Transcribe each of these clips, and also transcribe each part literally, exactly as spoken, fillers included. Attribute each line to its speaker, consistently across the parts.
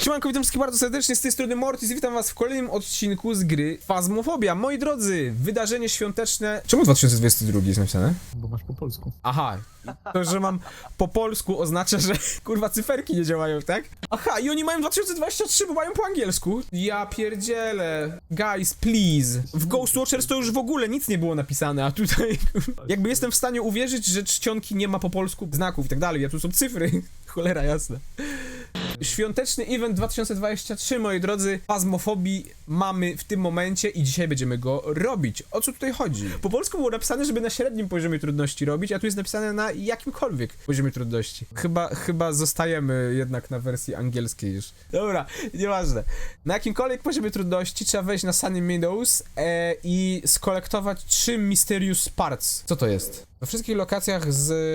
Speaker 1: Siemanko, witam wszystkich bardzo serdecznie, z tej strony Mortis i witam was w kolejnym odcinku z gry Phasmophobia. Moi drodzy, wydarzenie świąteczne... Czemu dwa tysiące dwudziesty drugi jest napisane?
Speaker 2: Bo masz po polsku.
Speaker 1: Aha, to, że mam po polsku oznacza, że kurwa cyferki nie działają, tak? Aha, i oni mają dwa tysiące dwudziesty trzeci, bo mają po angielsku. Ja pierdzielę. Guys, please. W Ghost Watchers to już w ogóle nic nie było napisane, a tutaj... Jakby jestem w stanie uwierzyć, że czcionki nie ma po polsku znaków i tak dalej, a tu są cyfry. Cholera jasna. Świąteczny event dwa tysiące dwudziesty trzeci, moi drodzy, Phasmophobii mamy w tym momencie i dzisiaj będziemy go robić. O co tutaj chodzi? Po polsku było napisane, żeby na średnim poziomie trudności robić, a tu jest napisane na jakimkolwiek poziomie trudności. Chyba, chyba zostajemy jednak na wersji angielskiej już. Dobra, nieważne. Na jakimkolwiek poziomie trudności trzeba wejść na Sunny Meadows e, i skolektować trzy Mysterious Parts. Co to jest? We wszystkich lokacjach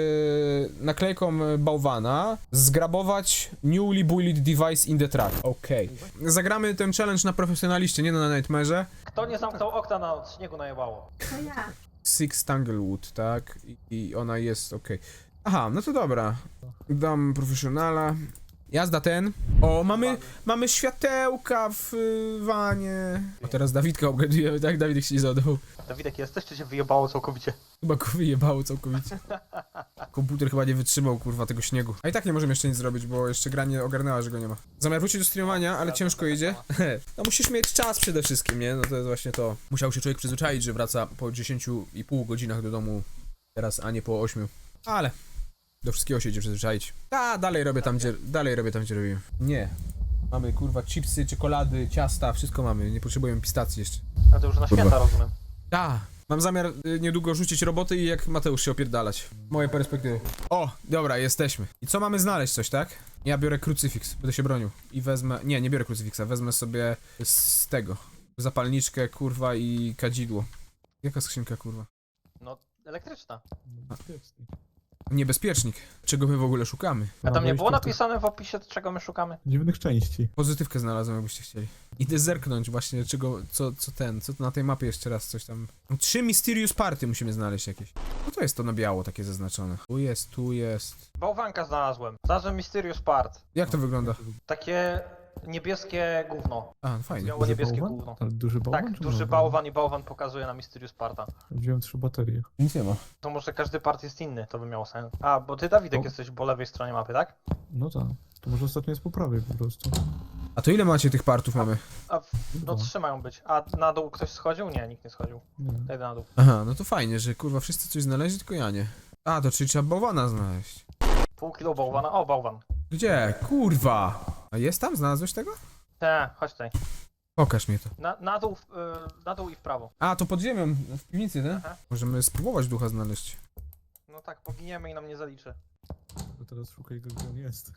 Speaker 1: z naklejką bałwana zgrabować Newly Built Device in the Track. Okej. Okay. Zagramy ten challenge na profesjonaliście, nie na Nightmare'ze.
Speaker 3: Kto nie zamknął okna, na śniegu najebało?
Speaker 4: To ja.
Speaker 1: Six Tanglewood, tak? I, i ona jest okej. Okay. Aha, no to dobra. Dam profesjonala. Jazda ten. O, mamy, mamy światełka w y, wanie. A teraz Dawidka obgadujemy, tak? Dawidek się nie zadał.
Speaker 3: Dawidek, jesteś, czy się wyjebało całkowicie?
Speaker 1: Chyba go wyjebało całkowicie. Komputer chyba nie wytrzymał, kurwa, tego śniegu. A i tak nie możemy jeszcze nic zrobić, bo jeszcze gra nie ogarnęła, że go nie ma. Zamiar wrócić do streamowania, ale ciężko idzie. No musisz mieć czas przede wszystkim, nie? No to jest właśnie to. Musiał się człowiek przyzwyczaić, że wraca po dziesięciu i pół godzinach do domu teraz, a nie po ośmiu. Ale do wszystkiego się idzie przyzwyczaić. A, dalej robię tam, gdzie, dalej robię tam, gdzie robiłem. Nie. Mamy, kurwa, chipsy, czekolady, ciasta, wszystko mamy. Nie potrzebujemy pistacji jeszcze.
Speaker 3: A to już na święta, rozumiem.
Speaker 1: A, mam zamiar y, niedługo rzucić roboty i jak Mateusz się opierdalać. Moje perspektywy. O, dobra, jesteśmy. I co mamy znaleźć, coś, tak? Ja biorę krucyfiks, będę się bronił. I wezmę... Nie, nie biorę krucyfiksa, wezmę sobie z tego. Zapalniczkę, kurwa, i kadzidło. Jaka skrzynka, kurwa?
Speaker 3: No, elektryczna.
Speaker 2: Bezpiecznik.
Speaker 1: Niebezpiecznik. Czego my w ogóle szukamy?
Speaker 3: A tam nie
Speaker 2: wejściu
Speaker 3: było
Speaker 2: w
Speaker 3: napisane w opisie, czego my szukamy?
Speaker 2: Dziwnych części.
Speaker 1: Pozytywkę znalazłem, jakbyście chcieli. Idę zerknąć właśnie, czego, co, co ten, co na tej mapie jeszcze raz coś tam... Trzy Mysterious Party musimy znaleźć jakieś. No to jest to na biało takie zaznaczone. Tu jest, tu jest...
Speaker 3: Bałwanka znalazłem. Znalazłem Mysterious Part.
Speaker 1: Jak to wygląda?
Speaker 3: Takie niebieskie gówno.
Speaker 1: A, no fajnie.
Speaker 3: Białe niebieskie
Speaker 2: bałwan?
Speaker 3: gówno.
Speaker 2: Ale duży bałwan?
Speaker 3: Tak,
Speaker 2: czy
Speaker 3: duży
Speaker 2: mały
Speaker 3: bałwan i bałwan pokazuje na Mysterious Parta.
Speaker 2: Wziąłem trzy baterie.
Speaker 1: Nic nie ma.
Speaker 3: To może każdy part jest inny, to by miało sens. A, bo ty, Dawidek,
Speaker 2: O.
Speaker 3: jesteś po lewej stronie mapy, tak?
Speaker 2: No tak. To może ostatnio jest po prawej po prostu.
Speaker 1: A to ile macie tych partów mamy?
Speaker 3: A, w- no
Speaker 2: Dwa.
Speaker 3: trzy mają być. A na dół ktoś schodził? Nie, nikt nie schodził.
Speaker 2: Nie.
Speaker 3: Daj na dół.
Speaker 1: Aha, no to fajnie, że kurwa wszyscy coś znaleźli, tylko ja nie. A, to czyli trzeba bałwana znaleźć.
Speaker 3: Pół kilo bałwana. O, bałwan.
Speaker 1: Gdzie? Kurwa! A jest tam? Znalazłeś tego?
Speaker 3: Te, chodź tutaj.
Speaker 1: Pokaż mi to.
Speaker 3: Na, na dół, w- y, na dół i w prawo.
Speaker 1: A, to pod ziemią, w piwnicy, nie?
Speaker 3: Aha.
Speaker 1: Możemy spróbować ducha znaleźć.
Speaker 3: No tak, poginiemy i nam nie zaliczy.
Speaker 2: To teraz szukaj go, gdzie on jest.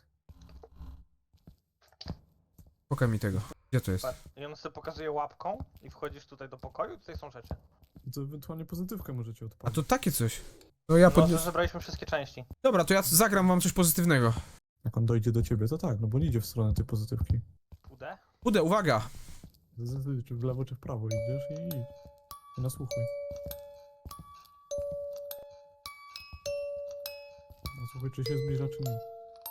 Speaker 1: Pokaż mi tego. Gdzie to jest?
Speaker 3: Patrz, i on sobie pokazuje łapką i wchodzisz tutaj do pokoju i tutaj są rzeczy.
Speaker 2: To ewentualnie pozytywkę możecie
Speaker 1: A
Speaker 2: odpalić.
Speaker 1: to takie coś. No ja
Speaker 3: No, że
Speaker 1: podniosę.
Speaker 3: zebraliśmy wszystkie części.
Speaker 1: Dobra, to ja zagram wam coś pozytywnego.
Speaker 2: Jak on dojdzie do ciebie, to tak, no bo nie idzie w stronę tej pozytywki.
Speaker 3: Pudę?
Speaker 1: Ude, uwaga!
Speaker 2: Z- z- Czy w lewo, czy w prawo idziesz i idź. I nasłuchuj. Nasłuchuj, czy się zbliża, czy nie.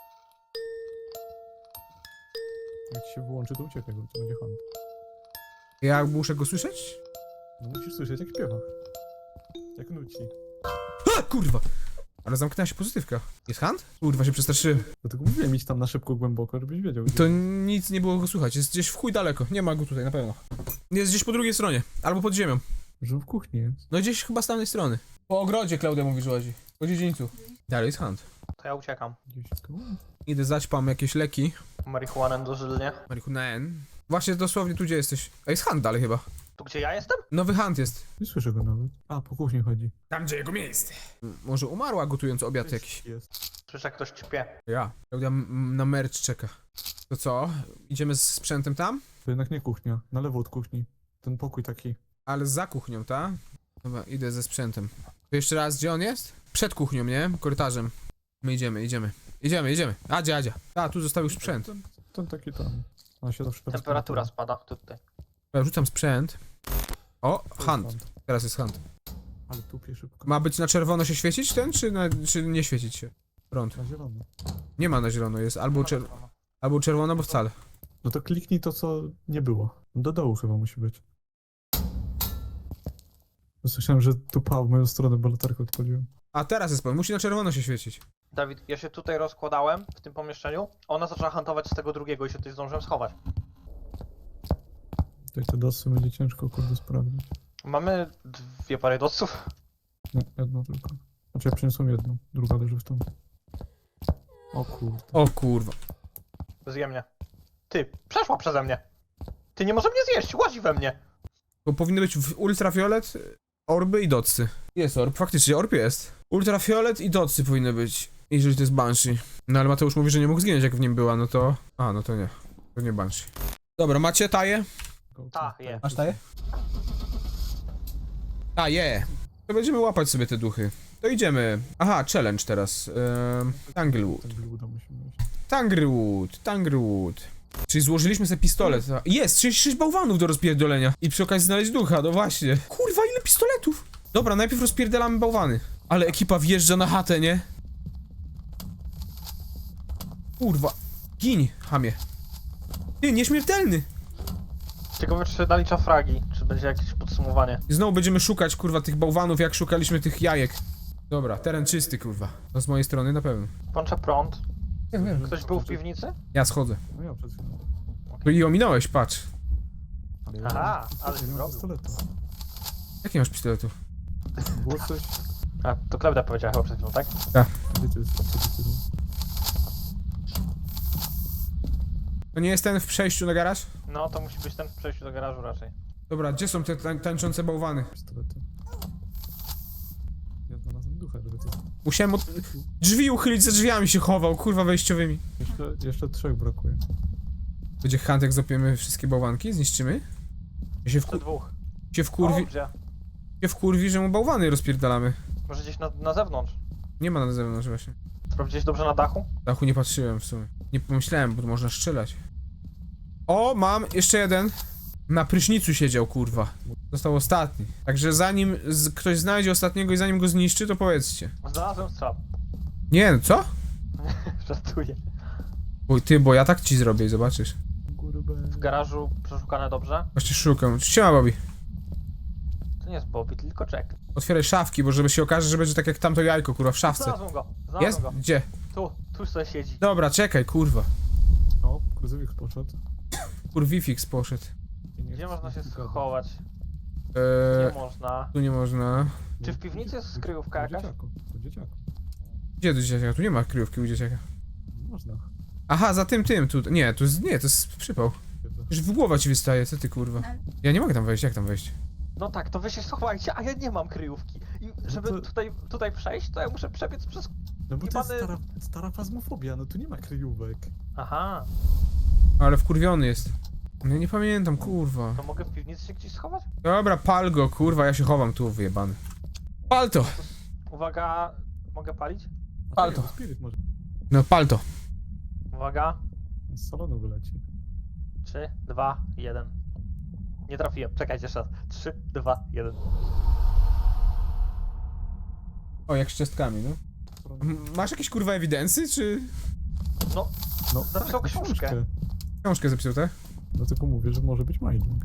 Speaker 2: Jak ci się wyłączy, to uciekaj, bo to będzie hunt.
Speaker 1: Ja muszę go słyszeć?
Speaker 2: No musisz słyszeć, jak śpiewa. Jak nuci.
Speaker 1: A, kurwa! Ale zamknęła się pozytywka. Jest hand? Kurwa, się przestraszyłem.
Speaker 2: Dlatego mówiłem, idź tam na szybko, głęboko, żebyś wiedział.
Speaker 1: To nic nie było go słychać, jest gdzieś w chuj daleko. Nie ma go tutaj, na pewno. Jest gdzieś po drugiej stronie, albo pod ziemią.
Speaker 2: Że w kuchni jest.
Speaker 1: No gdzieś chyba z tamtej strony. Po ogrodzie Klaudia mówi, że łazi. Po dziedzińcu. Dalej jest hand.
Speaker 3: To ja uciekam.
Speaker 2: Gdzieś tu.
Speaker 1: Idę zaćpam jakieś leki.
Speaker 3: Marihuanę dożylnie.
Speaker 1: Marihunaen. Właśnie dosłownie tu, gdzie jesteś. A jest hand dalej chyba.
Speaker 3: Tu gdzie ja jestem?
Speaker 1: Nowy hand jest.
Speaker 2: Nie słyszę go nawet. A, po kuchni chodzi.
Speaker 1: Tam, gdzie jego miejsce. M- Może umarła gotując obiad jakiś.
Speaker 2: Jest.
Speaker 3: Słyszę, jak ktoś ćpie.
Speaker 1: Ja. Klaudia m- na merch czeka. To co? Idziemy z sprzętem tam?
Speaker 2: To jednak nie kuchnia. Na lewo od kuchni. Ten pokój taki.
Speaker 1: Ale za kuchnią, ta? Dobra, idę ze sprzętem. To jeszcze raz, gdzie on jest? Przed kuchnią, nie? Korytarzem. My idziemy, idziemy. Idziemy, idziemy. Adzia, Adzia. A, tu został już sprzęt.
Speaker 2: Ten, ten taki tam. On się zawsze
Speaker 3: Temperatura spada. Tutaj.
Speaker 1: Ja rzucam sprzęt. O, hand. Teraz jest hand.
Speaker 2: Ale tupie szybko.
Speaker 1: Ma być na czerwono się świecić ten, czy, na, czy nie świecić się? Prąd.
Speaker 2: Na zielono.
Speaker 1: Nie ma na zielono, jest albo, czer albo czerwono, albo wcale.
Speaker 2: No to kliknij to, co nie było. Do dołu chyba musi być. Słyszałem, że tu pał w moją stronę, bo latarkę odpaliłem.
Speaker 1: A teraz jest pan, musi na czerwono się świecić.
Speaker 3: Dawid, ja się tutaj rozkładałem w tym pomieszczeniu. Ona zaczęła hantować z tego drugiego i się tutaj zdążyłem schować.
Speaker 2: Tutaj te dosy będzie ciężko kurde sprawdzić.
Speaker 3: Mamy dwie pary doców.
Speaker 2: Nie, jedną tylko. Znaczy ja przyniosłem jedną, druga leży w tym. O kurde.
Speaker 1: O kurwa.
Speaker 3: Zje mnie. Ty, przeszła przeze mnie. Ty nie może mnie zjeść, łazi we mnie.
Speaker 1: To powinny być w ultrafiolet, orby i docy. Jest orb, faktycznie orb jest. Ultrafiolet i docy powinny być, jeżeli to jest Banshee. No ale Mateusz mówi, że nie mógł zginąć jak w nim była, no to... A, no to nie. To nie Banshee. Dobra, macie taję?
Speaker 3: Ta, je.
Speaker 1: Masz taję? A, je. To będziemy łapać sobie te duchy. To idziemy. Aha, challenge teraz. Ehm, Tanglewood.
Speaker 2: Tak uda musimy iść.
Speaker 1: Tanglewood, Tanglewood. Czyli złożyliśmy sobie pistolet. a- Jest, trzydzieści sześć bałwanów do rozpierdolenia. I przy okazji znaleźć ducha, no właśnie. Kurwa, ile pistoletów? Dobra, najpierw rozpierdalamy bałwany. Ale ekipa wjeżdża na chatę, nie? Kurwa. Gin, chamie. Ty, nieśmiertelny.
Speaker 3: Ciekawe, czy się nalicza fragi, czy będzie jakieś podsumowanie.
Speaker 1: I znowu będziemy szukać, kurwa, tych bałwanów, jak szukaliśmy tych jajek. Dobra, teren czysty, kurwa. No z mojej strony na pewno.
Speaker 3: Włączę prąd.
Speaker 1: Ja wiem.
Speaker 3: Ktoś był w piwnicy?
Speaker 1: Ja schodzę.
Speaker 2: No ja przed chwilą.
Speaker 1: To i ominąłeś, patrz.
Speaker 2: Ale ja
Speaker 3: Aha,
Speaker 2: mam-
Speaker 3: ale
Speaker 2: nie mam
Speaker 3: zrobił.
Speaker 2: pistoletu.
Speaker 1: Jak nie masz pistoletu?
Speaker 2: Było coś...
Speaker 3: A, to Klebda powiedziała chyba przed chwilą, tak?
Speaker 2: Gdzie to jest? Gdzie to jest?
Speaker 1: To nie jest ten w przejściu na garaż?
Speaker 3: No, to musi być ten w przejściu do garażu raczej.
Speaker 1: Dobra, gdzie są te tań tańczące bałwany?
Speaker 2: Pistolety. Ja znalazłem ducha, żeby to...
Speaker 1: Musiałem od... drzwi uchylić, za drzwiami się chował, kurwa, wejściowymi.
Speaker 2: Jeszcze, jeszcze trzech brakuje.
Speaker 1: Będzie Huntek, zopiemy wszystkie bałwanki, zniszczymy? Ja się,
Speaker 3: Jeszcze
Speaker 1: wku...
Speaker 3: dwóch.
Speaker 1: się, wkurwi...
Speaker 3: O, gdzie?
Speaker 1: się wkurwi, że mu bałwany rozpierdalamy.
Speaker 3: Może gdzieś na, na zewnątrz.
Speaker 1: Nie ma na zewnątrz właśnie.
Speaker 3: Sprawdziłeś dobrze na dachu?
Speaker 1: Dachu nie patrzyłem w sumie. Nie pomyślałem, bo tu można strzelać. O, mam jeszcze jeden. Na prysznicu siedział, kurwa. Został ostatni. Także zanim z... ktoś znajdzie ostatniego i zanim go zniszczy, to powiedzcie.
Speaker 3: Znalazłem strzał.
Speaker 1: Nie, no co?
Speaker 3: Żartuję.
Speaker 1: Oj, ty, bo ja tak ci zrobię i zobaczysz.
Speaker 2: Góry B.
Speaker 3: W garażu przeszukane dobrze.
Speaker 1: Właśnie szukam. Siema, Bobby.
Speaker 3: To nie jest Bobby, tylko Jack.
Speaker 1: Otwieraj szafki, bo żeby się okaże, że będzie tak jak tamto jajko, kurwa, w szafce.
Speaker 3: Znalazłem go, znalazłem
Speaker 1: Jest?
Speaker 3: go.
Speaker 1: Gdzie?
Speaker 3: Tu, tu sobie siedzi.
Speaker 1: Dobra, czekaj, kurwa.
Speaker 2: O, kruzyfik poszedł.
Speaker 1: Kurwifix poszedł.
Speaker 2: I nie
Speaker 3: Gdzie
Speaker 2: chcę
Speaker 3: można się
Speaker 2: z nim gadać.
Speaker 3: schować?
Speaker 1: Eee,
Speaker 3: Nie można.
Speaker 1: tu nie można.
Speaker 3: Czy w piwnicy jest skryjówka
Speaker 2: U
Speaker 3: jakaś?
Speaker 2: dzieciaku, u dzieciaku.
Speaker 1: Gdzie do dzieciaka? Tu nie ma kryjówki u dzieciaka.
Speaker 2: Można.
Speaker 1: Aha, za tym, tym, tu. Nie, to jest, nie, to jest przypał. Już w głowa ci wystaje, co ty, kurwa. Ja nie mogę tam wejść, jak tam wejść?
Speaker 3: No tak, to wy się schowajcie, a ja nie mam kryjówki. I żeby
Speaker 2: to-
Speaker 3: tutaj, tutaj przejść, to ja muszę przebiec przez...
Speaker 2: No bo to jest
Speaker 3: Jebany-
Speaker 2: stara, stara fazmofobia, no tu nie ma kryjówek.
Speaker 3: Aha,
Speaker 1: Ale wkurwiony jest. No nie pamiętam, kurwa.
Speaker 3: to mogę w piwnicy się gdzieś schować?
Speaker 1: Dobra, pal go, kurwa, ja się chowam tu, wyjebany. Pal to!
Speaker 3: Uwaga, mogę palić?
Speaker 2: A
Speaker 1: Pal
Speaker 2: czekaj,
Speaker 1: to.
Speaker 2: bo Spirit może
Speaker 1: No, pal to.
Speaker 3: Uwaga,
Speaker 2: z salonu wyleci.
Speaker 3: trzy, dwa, jeden. Nie trafiłem, czekajcie jeszcze raz. trzy, dwa, jeden.
Speaker 1: O, jak z ciastkami, no. M- Masz jakieś, kurwa, ewidencje, czy...
Speaker 3: No,
Speaker 2: No,
Speaker 3: Zapisał książkę.
Speaker 1: Książkę zapisał, tak?
Speaker 2: No tylko mówię, że może być mining.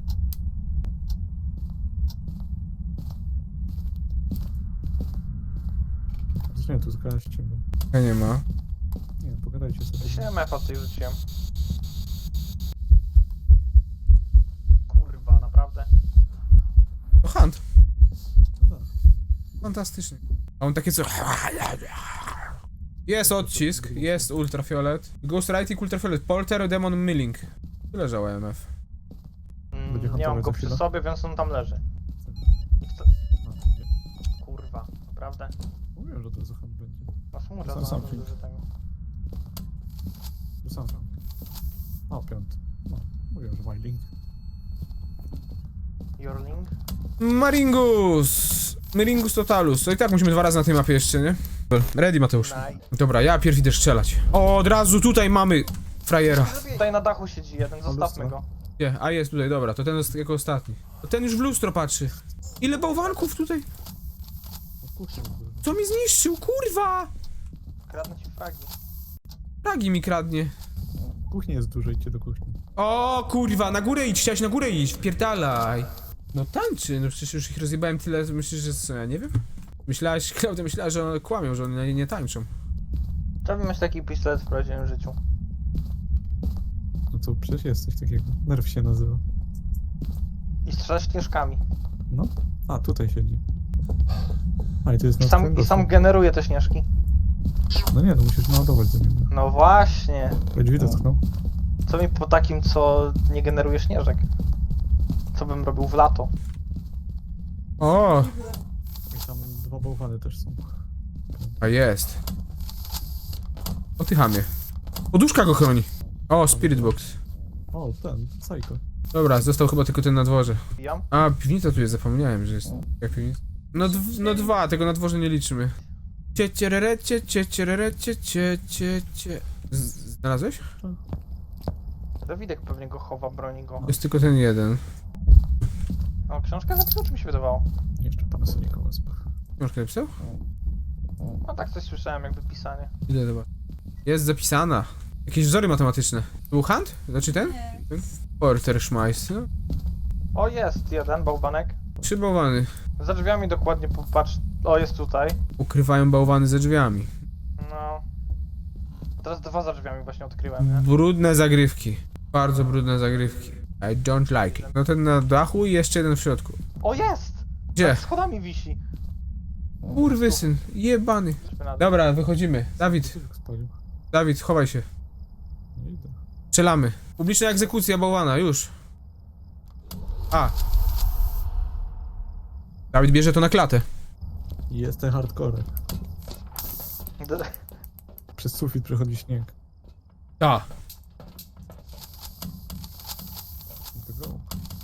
Speaker 2: Zresztą nie, tu zgaście go.
Speaker 1: Ja nie ma.
Speaker 2: Nie, pogadajcie sobie.
Speaker 3: się M F-a tutaj rzuciłem. Kurwa, naprawdę?
Speaker 1: To Hunt.
Speaker 2: No tak.
Speaker 1: Fantastycznie. A on takie co... Jest odcisk, jest ultrafiolet. Ghost Writing, ultrafiolet, Polter, Demon Milling. Tu leżał M F.
Speaker 3: Mm,
Speaker 2: Będzie
Speaker 3: nie mam
Speaker 2: hantować
Speaker 3: go
Speaker 2: za
Speaker 3: przy
Speaker 2: chwilę?
Speaker 3: sobie, więc on tam leży. I kto...
Speaker 2: No, nie.
Speaker 3: Kurwa, naprawdę?
Speaker 2: Mówiłem, że to Zuchan będzie.
Speaker 3: No smutno,
Speaker 2: Sam-
Speaker 3: no,
Speaker 2: sam
Speaker 3: to
Speaker 2: film.
Speaker 3: duży tego.
Speaker 2: Tu sam sam. O, piąty. No, mówiłem, że mining.
Speaker 3: Jorling?
Speaker 1: Maringus! Maringus Totalus. To i tak musimy dwa razy na tej mapie jeszcze, nie? Ready, Mateusz.
Speaker 3: Nice.
Speaker 1: Dobra, ja pierw idę strzelać. O, od razu tutaj mamy frajera.
Speaker 3: Tutaj na dachu siedzi jeden, zostawmy
Speaker 2: lustro.
Speaker 3: go.
Speaker 1: Gdzie? A jest tutaj, dobra, to ten jest jako ostatni. To ten już w lustro patrzy. Ile bałwanków tutaj?
Speaker 2: No, kuchni był.
Speaker 1: Co mi zniszczył, kurwa!
Speaker 3: Kradnę ci fragi.
Speaker 1: Fragi mi kradnie.
Speaker 2: Kuchni jest dużo, idźcie do kuchni.
Speaker 1: O kurwa, na górę idź, chciałeś na górę iść, wpierdalaj. No tańczy, no przecież już ich rozjebałem tyle, myślisz, że co, ja nie wiem? Myślałaś, Klaudia myślała, że one kłamią, że one nie tańczą.
Speaker 3: Trzeba mieć taki pistolet w prawdziwym życiu.
Speaker 2: No to przecież jest coś takiego. Nerw się nazywa.
Speaker 3: I strzelać śnieżkami.
Speaker 2: No. A, tutaj siedzi. A, i to jest
Speaker 3: I
Speaker 2: na
Speaker 3: sam,
Speaker 2: twoim
Speaker 3: I sam
Speaker 2: gościu.
Speaker 3: generuje te śnieżki.
Speaker 2: No nie, no musisz naładować do niego.
Speaker 3: No właśnie.
Speaker 2: Ej, drzwi dotknął.
Speaker 3: Co mi po takim, co nie generuje śnieżek? Co bym robił w lato?
Speaker 1: O,
Speaker 2: I tam dwa bałwany też są.
Speaker 1: a jest. O ty chamie. Poduszka go chroni. O, spirit box.
Speaker 2: O, ten, Psycho.
Speaker 1: Dobra, został chyba tylko ten na dworze.
Speaker 3: Wbijam?
Speaker 1: A, piwnica tu jest, zapomniałem, że jest. Jak piwnica? No, dw no dwa, tego na dworze nie liczymy. Cie, cierere, cie, cie, cierere, cie, cie, cie, cie. Z- Znalazłeś?
Speaker 3: Dawidek pewnie go chowa, broni go.
Speaker 1: Jest tylko ten jeden.
Speaker 3: O, książkę zapisał, czy mi się wydawało?
Speaker 2: Jeszcze Panasonica wezmę.
Speaker 1: Książkę napisał?
Speaker 3: No tak coś słyszałem, jakby pisanie.
Speaker 1: Ile chyba? Jest zapisana. Jakieś wzory matematyczne. Był Hunt? Znaczy ten? ten? Porter Schmeiss, no.
Speaker 3: O, jest jeden bałwanek.
Speaker 1: Trzy bałwany.
Speaker 3: Za drzwiami dokładnie popatrz. O, jest tutaj.
Speaker 1: Ukrywają bałwany za drzwiami.
Speaker 3: No. Teraz dwa za drzwiami właśnie odkryłem, nie?
Speaker 1: Brudne zagrywki. Bardzo brudne zagrywki. I don't like it. No ten na dachu i jeszcze jeden w środku.
Speaker 3: O, jest!
Speaker 1: Gdzie?
Speaker 3: Nad schodami wisi.
Speaker 1: Kurwy syn, jebany.
Speaker 3: Chodźmy na dół.
Speaker 1: Dobra, wychodzimy. Dawid,
Speaker 2: Co tak spalił?
Speaker 1: Dawid, chowaj się.
Speaker 2: Nie idę.
Speaker 1: Strzelamy. Publiczna egzekucja bałwana, już. A. Dawid bierze to na klatę.
Speaker 2: I jest ten hardcore.
Speaker 3: D-
Speaker 2: Przez sufit przechodzi śnieg.
Speaker 1: A.
Speaker 2: To go.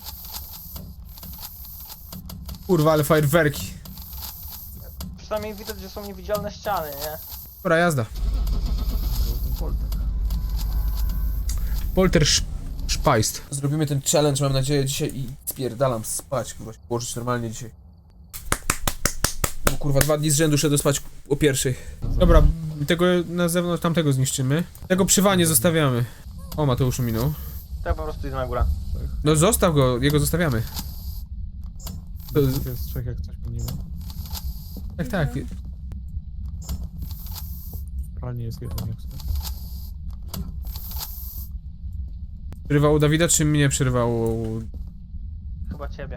Speaker 1: Kurwa, ale fajerwerki.
Speaker 3: Przynajmniej widać, że są niewidzialne ściany, nie?
Speaker 1: Dobra, jazda.
Speaker 2: To ten polter.
Speaker 1: Polter sz- Szpajst. Zrobimy ten challenge, mam nadzieję, dzisiaj i spierdalam spać, kurwa, się położyć normalnie dzisiaj. Bo kurwa, dwa dni z rzędu szedłem spać o pierwszej. Dobra, tego na zewnątrz, tamtego zniszczymy. Tego przy wanie zostawiamy. O, Mateusz minął.
Speaker 3: To ja po prostu idę na górę.
Speaker 1: No zostaw go, jego zostawiamy. To-
Speaker 2: To jest trzech jak coś minimum.
Speaker 1: Tak, tak.
Speaker 2: W pralni jest jeden jak coś.
Speaker 1: Przerywało Dawida, czy mnie przerywało?
Speaker 3: Chyba ciebie.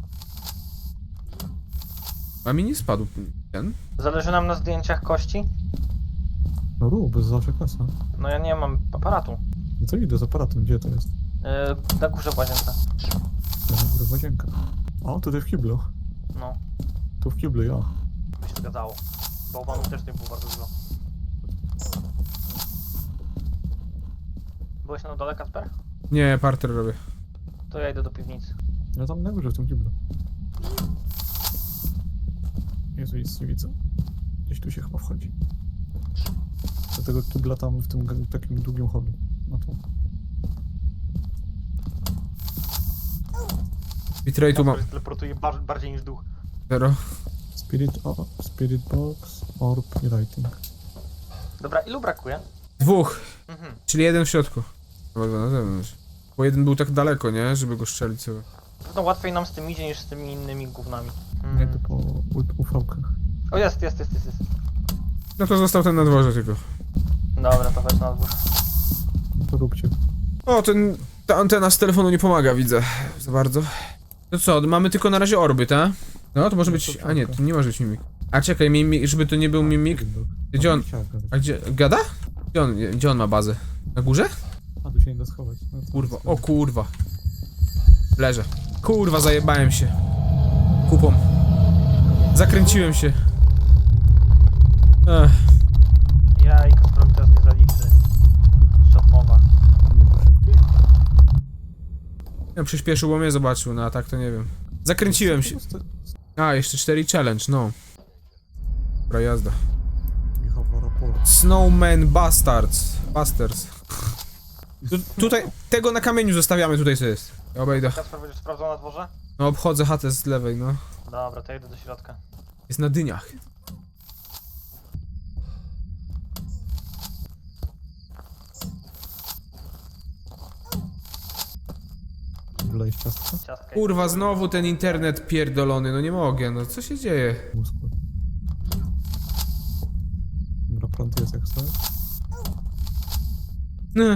Speaker 1: A mi nie spadł ten.
Speaker 3: Zależy nam na zdjęciach kości?
Speaker 2: No rób, bez zawsze kasa.
Speaker 3: No ja nie mam aparatu.
Speaker 2: No to idę z aparatem, gdzie to jest?
Speaker 3: Yy, na górze w łazience.
Speaker 2: Ja na górę łazienka. O, tutaj w kiblu.
Speaker 3: No,
Speaker 2: Tu w kiblu, ja.
Speaker 3: by się zgadzało. Bałwanów też nie było bardzo dużo. Byłeś na dole, Kasper?
Speaker 1: Nie, parter robię.
Speaker 3: To ja idę do piwnicy.
Speaker 2: Ja tam na górze w tym kiblu. Jezu, nic nie widzę. Gdzieś tu się chyba wchodzi. Do tego kibla tam w tym g- takim długim holu. No to.
Speaker 1: Bitrate'u mam
Speaker 3: Kasper się teleportuje bar bardziej niż duch.
Speaker 1: zero.
Speaker 2: Spirit, o, spirit box, orb i writing.
Speaker 3: Dobra, ilu brakuje?
Speaker 1: Dwóch,
Speaker 3: Mhm.
Speaker 1: czyli jeden w środku. Chyba dwa na zewnątrz. Bo jeden był tak daleko, nie? Żeby go strzelić sobie.
Speaker 3: Pewno łatwiej nam z tym idzie niż z tymi innymi gównami.
Speaker 2: Nie,
Speaker 3: Mm.
Speaker 2: to po u v kach.
Speaker 3: O, jest, jest, jest, jest, jest.
Speaker 1: No to został ten na dworze tylko.
Speaker 3: Dobra, to chodź na dwór.
Speaker 2: No to róbcie.
Speaker 1: O, ten, ta antena z telefonu nie pomaga, widzę. Za bardzo. To co, mamy tylko na razie orby, tak? No, to może
Speaker 2: No
Speaker 1: być...
Speaker 2: to
Speaker 1: A nie,
Speaker 2: czapka.
Speaker 1: to nie może być mimik. A czekaj, mimik, żeby to nie był mimik.
Speaker 2: Spirit box.
Speaker 1: Gdzie on-
Speaker 2: Tam siaka.
Speaker 1: A gdzie... Gada? Gdzie on, gdzie on ma bazę? Na górze?
Speaker 2: A tu się nie da schować. No to
Speaker 1: Kurwa,
Speaker 2: jest-
Speaker 1: o kurwa. Leżę. Kurwa, zajebałem się. Kupą. Zakręciłem się. Ech.
Speaker 3: Ja i Kasperowi teraz nie zaliczy. Szatmowa.
Speaker 2: Nie było szybkie.
Speaker 1: Ja przyspieszył, bo mnie zobaczył, no a tak to nie wiem. Zakręciłem się. A, jeszcze cztery challenge, no. Dobra, jazda.
Speaker 2: Michała raport.
Speaker 1: Snowman Bastards. Bastards. Tu, tutaj, tego na kamieniu zostawiamy, tutaj co jest. Ja obejdę.
Speaker 3: Kasper, będziesz sprawdzał na dworze?
Speaker 1: No, obchodzę chatę z lewej, no.
Speaker 3: Dobra, to ja idę do środka.
Speaker 1: Jest na dyniach.
Speaker 2: Wlejesz ciastko?
Speaker 3: Ciastka.
Speaker 1: Kurwa, znowu ten internet pierdolony, no nie mogę, no co się dzieje?
Speaker 2: Mózgu. Dobra, prąd jest jak chcesz.
Speaker 1: Nie.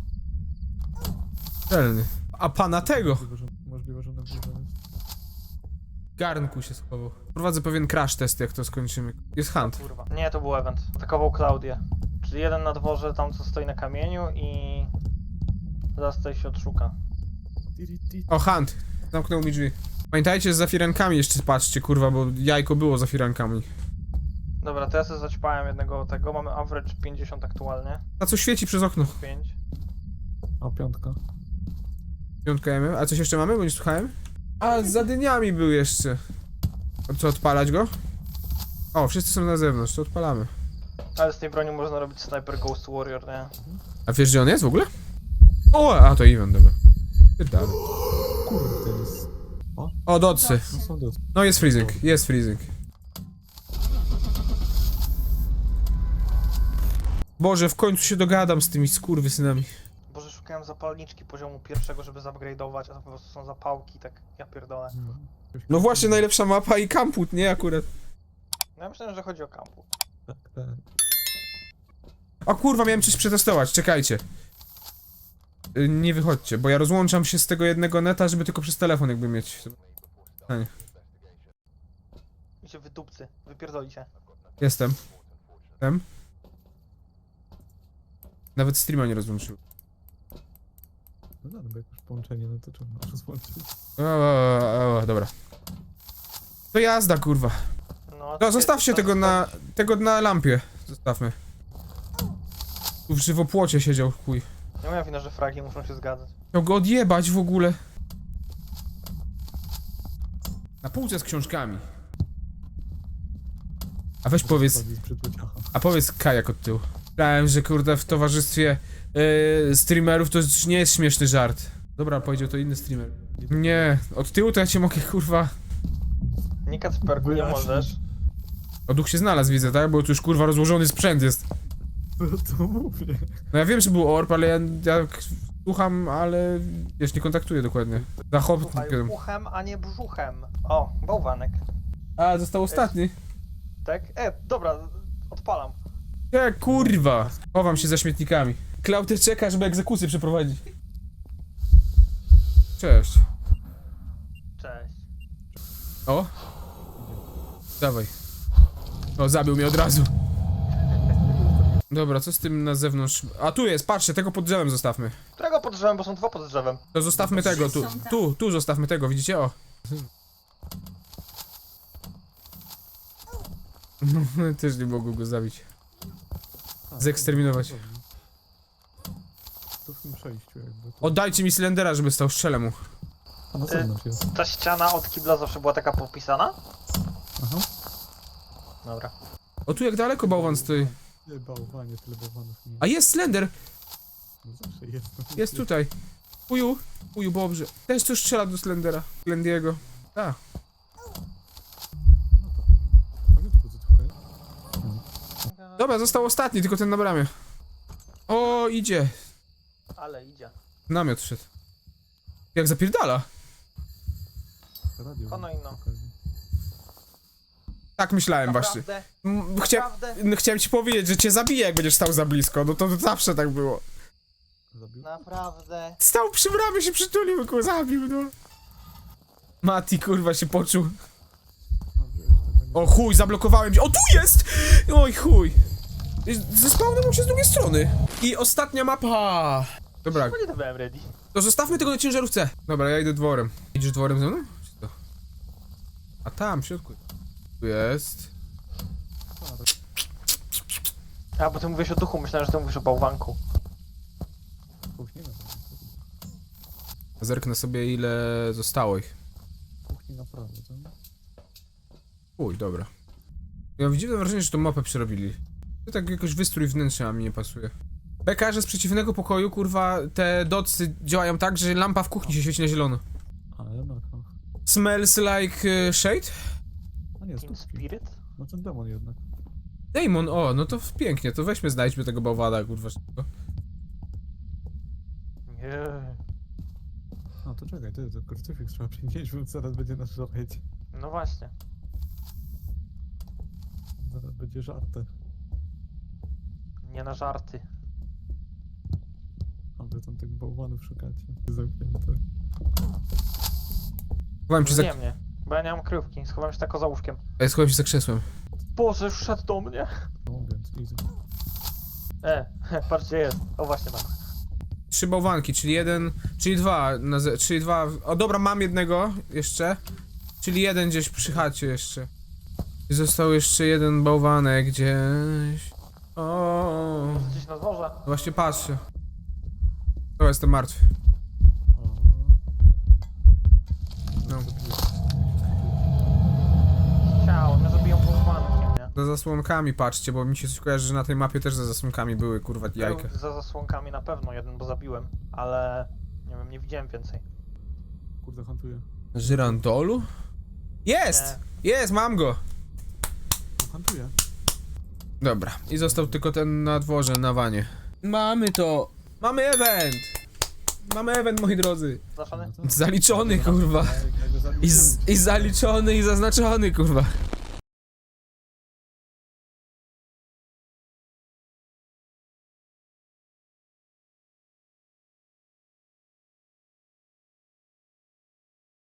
Speaker 1: Celny. A pana tego!
Speaker 2: Możliwe, że, możliwe, że na górze jest.
Speaker 1: W garnku się schował. Prowadzę pewien crash test, jak to skończymy. Jest hunt.
Speaker 3: Kurwa. Nie, to był event. Atakował Klaudię. Czyli jeden na dworze, tam co stoi na kamieniu i... Zaraz tutaj się odszuka.
Speaker 2: Tiri, ti.
Speaker 1: O, hunt. Zamknął mi drzwi. Pamiętajcie, z zafirankami jeszcze patrzcie, kurwa, bo jajko było z zafirankami.
Speaker 3: Dobra, to ja sobie zaćpałem jednego tego. Mamy average pięćdziesiąt aktualnie.
Speaker 1: A co świeci przez okno?
Speaker 3: pięć.
Speaker 2: A piątka.
Speaker 1: Piątka jemy. A coś jeszcze mamy, bo nie słuchałem? A, za dyniami był jeszcze. A co, odpalać go? O, wszyscy są na zewnątrz, to odpalamy.
Speaker 3: Ale z tej broni można robić Sniper Ghost Warrior, nie?
Speaker 1: A wiesz, gdzie on jest w ogóle? O, a to event, dobra. Pierdolę.
Speaker 2: Kurde, to jest... O,
Speaker 1: O, docy.
Speaker 2: no są dos.
Speaker 1: No jest freezing, jest freezing. Boże, w końcu się dogadam z tymi skurwysynami.
Speaker 3: Boże, szukałem zapalniczki poziomu pierwszego, żeby zupgrade'ować, a to po prostu są zapałki, tak ja pierdolę.
Speaker 1: No właśnie, najlepsza mapa i kamput, nie akurat.
Speaker 3: No ja myślałem, że chodzi o kampu.
Speaker 2: Tak, tak.
Speaker 1: O kurwa, miałem coś przetestować, czekajcie. Y, Nie wychodźcie, bo ja rozłączam się z tego jednego neta, żeby tylko przez telefon jakby mieć. A nie.
Speaker 3: I się wydupcy, wypierdolicie.
Speaker 1: Jestem. Jestem. Nawet streama nie rozłączył.
Speaker 2: No dobra, bo jak już połączenie, no to trzeba rozłączyć.
Speaker 1: O, o, o, dobra. To jazda, kurwa.
Speaker 3: No,
Speaker 1: No, zostawcie
Speaker 3: to-
Speaker 1: tego na... tego na lampie. Zostawmy. Tu w żywopłocie siedział, chuj.
Speaker 3: Nie moja wina, że fragi muszą się zgadzać.
Speaker 1: Chciał go odjebać w ogóle. Na półce z książkami. A weź powiedz...
Speaker 2: Z przytłociacha.
Speaker 1: A powiedz kajak od tyłu. Myślałem, że kurde w towarzystwie yy, streamerów to już nie jest śmieszny żart. Dobra, powiedział to inny streamer. Nie, od tyłu to ja cię mogę kurwa...
Speaker 3: Nie Kacperku, nie
Speaker 2: Wyjaśnij.
Speaker 3: możesz.
Speaker 1: O, duch się znalazł, widzę, tak? Bo tu już kurwa rozłożony sprzęt jest.
Speaker 2: No to mówię.
Speaker 1: No ja wiem, że był orb, ale ja, ja słucham, ale wiesz, nie kontaktuję dokładnie.
Speaker 3: Słuchaj,
Speaker 1: Zachopnikiem.
Speaker 3: uchem, a nie brzuchem. O, bałwanek.
Speaker 1: A, został ostatni.
Speaker 3: Tak? E, dobra, odpalam.
Speaker 1: Nie, kurwa. Chowam się za śmietnikami. Klauty czeka, żeby egzekucję przeprowadzić. Cześć.
Speaker 3: Cześć.
Speaker 1: O. Dawaj. O, zabił mnie od razu. Dobra, co z tym na zewnątrz? A tu jest, patrzcie, tego pod drzewem zostawmy.
Speaker 3: Którego pod drzewem, bo są dwa pod drzewem.
Speaker 1: To zostawmy tego, tu, tu, tu zostawmy tego, widzicie? O. Też nie mogą go zabić.
Speaker 2: A,
Speaker 1: Zeksterminować.
Speaker 2: to- To w tym przejściu jakby. To...
Speaker 1: Oddajcie mi cylindera, żeby stał, strzelę mu.
Speaker 2: A na zewnątrz jest.
Speaker 3: Ta ściana od kibla zawsze była taka popisana?
Speaker 2: Aha.
Speaker 3: Dobra.
Speaker 1: O, tu jak daleko bałwan stoi.
Speaker 2: Nie, bałwanie, tyle bałwanów nie.
Speaker 1: A jest Slender!
Speaker 2: No zawsze jest.
Speaker 1: Jest tutaj. Uju, uju, dobrze. Też coś strzela do Slendera. Slendiego. A.
Speaker 2: No to fajnie to pozytwuje.
Speaker 1: Dobra, został ostatni, tylko ten na bramie. O, idzie.
Speaker 3: Ale idzie.
Speaker 1: Namiot szedł. Jak zapierdala.
Speaker 2: Radio.
Speaker 3: Ono inno.
Speaker 1: Tak myślałem właśnie.
Speaker 3: Naprawdę,
Speaker 1: M, Chcia...
Speaker 3: naprawdę,
Speaker 1: no, chciałem ci powiedzieć, że cię zabiję, jak będziesz stał za blisko. No to zawsze tak było.
Speaker 2: Zabił?
Speaker 3: naprawdę.
Speaker 1: Stał przy bramie, się przytulił, kurwa, zabił, no. Mati, kurwa, się poczuł.
Speaker 2: No, wiesz, tego nie-
Speaker 1: O chuj, zablokowałem się. O, tu jest! Oj, chuj. Zespałnął się z drugiej strony. I ostatnia mapa. Dobra,
Speaker 3: Bo nie to byłem ready.
Speaker 1: to zostawmy tego na ciężarówce. Dobra, ja idę dworem. Idziesz dworem ze mną? Czy to? A tam, w środku. Tu jest.
Speaker 3: A, bo ty mówisz o duchu, myślałem, że ty mówisz o bałwanku.
Speaker 2: Kuchni na
Speaker 1: Zerknę sobie, ile zostało ich.
Speaker 2: Kuchni na prawo, co?
Speaker 1: Uj, dobra. Ja mam dziwne wrażenie, że tą mapę przerobili. To tak jakoś wystrój wnętrza a mi nie pasuje. Beka, że z przeciwnego pokoju, kurwa, te docy działają tak, że lampa w kuchni się świeci na zielono.
Speaker 2: A, jednak, no.
Speaker 1: Smells like uh, shade?
Speaker 2: A nie,
Speaker 3: In
Speaker 2: stópki.
Speaker 3: spirit?
Speaker 2: No ten demon jednak.
Speaker 1: Damon, o, no to pięknie, to weźmy, znajdźmy tego bałwana, kurwa, szybko.
Speaker 3: Nie.
Speaker 2: A, to czekaj, ty, to krucyfiks trzeba przynieść, bo zaraz będzie nasz żareć.
Speaker 3: No właśnie.
Speaker 2: Zaraz będzie żarty.
Speaker 3: Nie na żarty.
Speaker 2: A wy tam tych bałwanów szukacie. Zamknięte.
Speaker 1: Chowałem się za...
Speaker 3: Nie mnie, bo ja nie mam kryjówki. Schowałem się tako za łóżkiem.
Speaker 1: Ej, schowałem się za krzesłem.
Speaker 3: Boże, już szedł do mnie.
Speaker 2: No więc easy.
Speaker 3: E, patrzcie, jest. O, właśnie mam.
Speaker 1: Trzy bałwanki, czyli jeden, czyli dwa, na ze, czyli dwa, o dobra, mam jednego jeszcze, czyli jeden gdzieś przy chacie jeszcze. I został jeszcze jeden bałwanek gdzieś. O,
Speaker 3: Może gdzieś na dworze?
Speaker 1: właśnie patrzę. O, jestem martwy.
Speaker 2: O.
Speaker 1: No.
Speaker 3: Ciało, mnie zabiją bałwankiem, nie?
Speaker 1: Za zasłonkami patrzcie, bo mi się coś kojarzy, że na tej mapie też za zasłonkami były, kurwa, jajka.
Speaker 3: Był za zasłonkami na pewno jeden, bo zabiłem, ale nie wiem, nie widziałem więcej.
Speaker 2: Kurde, hantuję.
Speaker 1: Żyrandolu? Jest! Jest, mam go!
Speaker 2: No, hantuję.
Speaker 1: Dobra, i został tylko ten na dworze, na wanie. Mamy to! Mamy event! Mamy event, moi drodzy.
Speaker 3: Zaczony?
Speaker 2: No tak.
Speaker 1: Zaliczony, kurwa.
Speaker 2: Ja go zabiłem.
Speaker 1: I, z, I zaliczony, i zaznaczony, kurwa.